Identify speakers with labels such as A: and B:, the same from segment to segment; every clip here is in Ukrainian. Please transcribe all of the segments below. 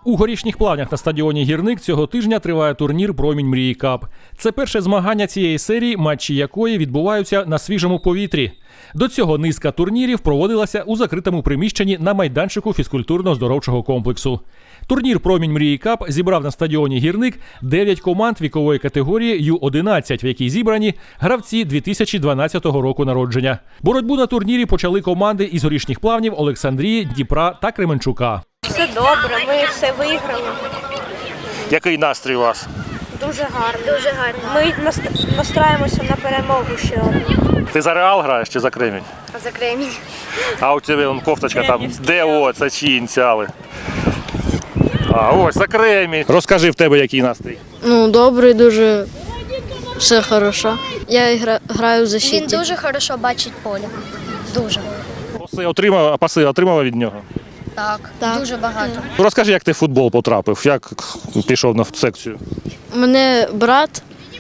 A: У Горішніх Плавнях на стадіоні «Гірник» цього тижня триває турнір «Промінь Мрії Кап». Це перше змагання цієї серії, матчі якої відбуваються на свіжому повітрі. До цього низка турнірів проводилася у закритому приміщенні на майданчику фізкультурно-здоровчого комплексу. Турнір «Промінь Мрії Кап» зібрав на стадіоні «Гірник» 9 команд вікової категорії Ю-11, в якій зібрані гравці 2012 року народження. Боротьбу на турнірі почали команди із Горішніх Плавнів, Олександрії, Дніпра та Кременчука.
B: Все добре, ми все виграли.
A: Який настрій у вас?
B: Дуже гарно. Дуже гарно. Ми настраємося на перемогу ще одну.
A: Ти за Реал граєш чи за Кремінь?
B: За Кремінь.
A: А у тебе вон кофточка там. Де от, це чиї ініціали? А, ось, за Кремінь. Розкажи, в тебе який настрій?
C: Ну, добрий, дуже все хорошо. Я граю в защиті.
D: Він дуже хорошо бачить поле. Дуже.
A: Паси отримала від нього?
D: Так. Дуже багато.
A: Ну, розкажи, як ти в футбол потрапив, як пішов на секцію?
C: Мене брат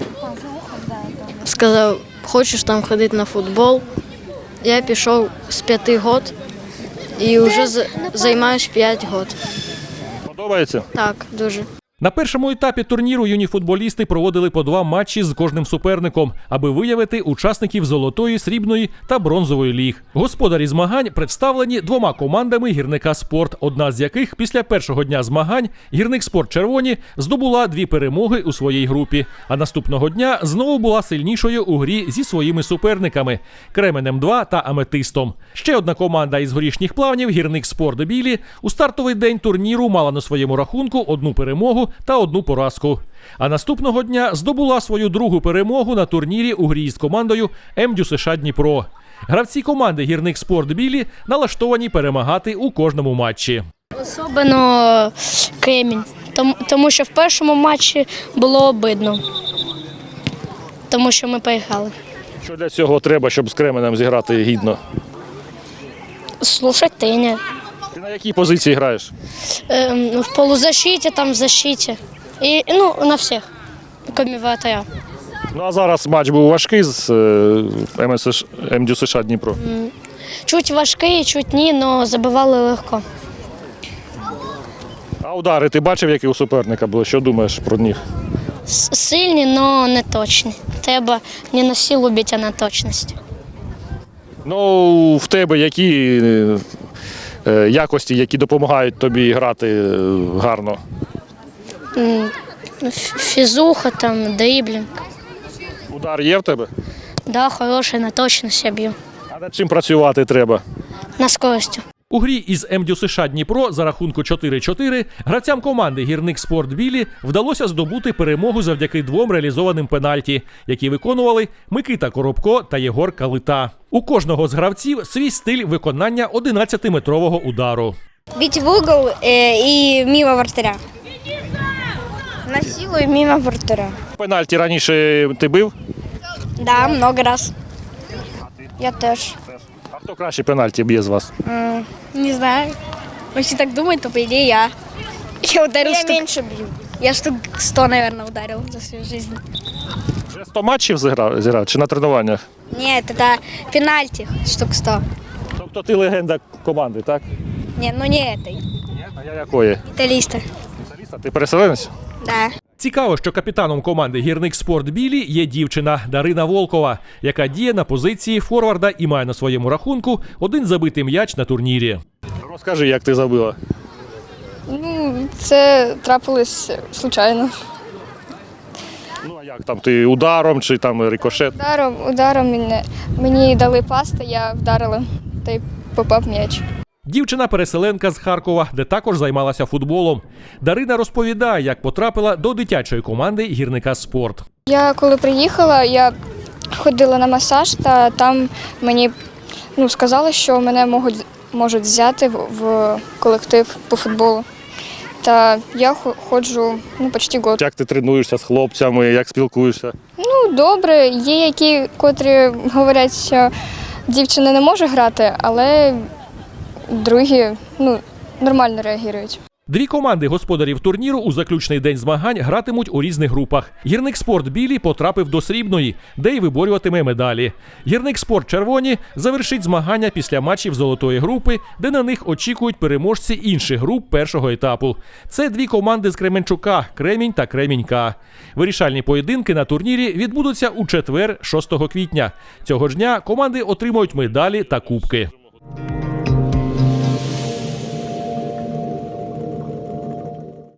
C: сказав, хочеш там ходити на футбол. Я пішов з 5 років і вже займаюся 5 років.
A: Подобається?
C: Так, дуже.
A: На першому етапі турніру юні футболісти проводили по 2 матчі з кожним суперником, аби виявити учасників золотої, срібної та бронзової ліг. Господарі змагань представлені 2 командами «Гірника Спорт», одна з яких після першого дня змагань «Гірник Спорт Червоні» здобула 2 перемоги у своїй групі, а наступного дня знову була сильнішою у грі зі своїми суперниками – Кременем-2 та Аметистом. Ще одна команда із Горішніх Плавнів «Гірник Спорт Білі» у стартовий день турніру мала на своєму рахунку 1 перемогу та 1 поразку. А наступного дня здобула свою 2-гу перемогу на турнірі у грі з командою МДЮСШ Дніпро. Гравці команди «Гірник Спорт Білі» налаштовані перемагати у кожному матчі.
D: Особливо Кремінь, тому що в першому матчі було обидно, тому що ми поїхали.
A: Що для цього треба, щоб з Кременем зіграти гідно?
D: Слушать тренера.
A: Ти на якій позиції граєш?
D: В полузащиті, там в защиті. І, на всіх, крім вратаря.
A: Ну а зараз матч був важкий з МДЮСШ Дніпро.
D: Чуть важкий, чуть ні, але забивали легко.
A: А удари ти бачив, які у суперника були? Що думаєш про них?
D: Сильні, але не точні. Треба не на силу бити, а на точність.
A: Ну, в тебе які якості, які допомагають тобі грати гарно?
D: Фізуха, там, дриблінг.
A: Удар є в тебе?
D: Да, хороший, на точність я б'ю.
A: А над чим працювати треба?
D: На скорості.
A: У грі із МДЮСШ Дніпро за рахунку 4-4 гравцям команди «Гірник Спорт Білі» вдалося здобути перемогу завдяки 2 реалізованим пенальті, які виконували Микита Коробко та Єгор Калита. У кожного з гравців свій стиль виконання 11-метрового удару.
B: Бить в угол і мимо вратаря. На силу і мимо вратаря.
A: Пенальті раніше ти бив?
B: Да, много раз. Я теж.
A: А хто краще пенальті б'є з вас?
B: Не знаю. Если так думать, то по идее я. Я ударил меньше бью. Я штук 100, наверное, ударил за свою жизнь.
A: Вже 100 матчів зіграв чи на тренуваннях?
B: Нет, это пенальти штук 100.
A: Тобто ти легенда команди, так?
B: Нет, ну не этой.
A: А я якої?
B: Італіста.
A: Ти переселенець?
B: Да.
A: Цікаво, що капітаном команди «Гірник Спорт Білі» є дівчина Дарина Волкова, яка діє на позиції форварда і має на своєму рахунку 1 забитий м'яч на турнірі. Розкажи, як ти забила.
E: Це трапилось случайно.
A: Ну а як там, ти ударом чи там рикошет?
E: Ударом мені дали пас, та я вдарила, та й попав м'яч.
A: Дівчина-переселенка з Харкова, де також займалася футболом. Дарина розповідає, як потрапила до дитячої команди «Гірника Спорт».
E: Я коли приїхала, я ходила на масаж, та там мені сказали, що мене можуть взяти в колектив по футболу. Та я ходжу почти год.
A: Як ти тренуєшся з хлопцями, як спілкуєшся?
E: Добре, є котрі говорять, що дівчина не може грати, але другі нормально реагують.
A: Дві команди господарів турніру у заключний день змагань гратимуть у різних групах. Гірникспорт білі потрапив до срібної, де й виборюватиме медалі. Гірникспорт червоні завершить змагання після матчів золотої групи, де на них очікують переможці інших груп першого етапу. Це дві команди з Кременчука – Кремінь та Кремінь-К. Вирішальні поєдинки на турнірі відбудуться у четвер, 6 квітня. Цього ж дня команди отримають медалі та кубки.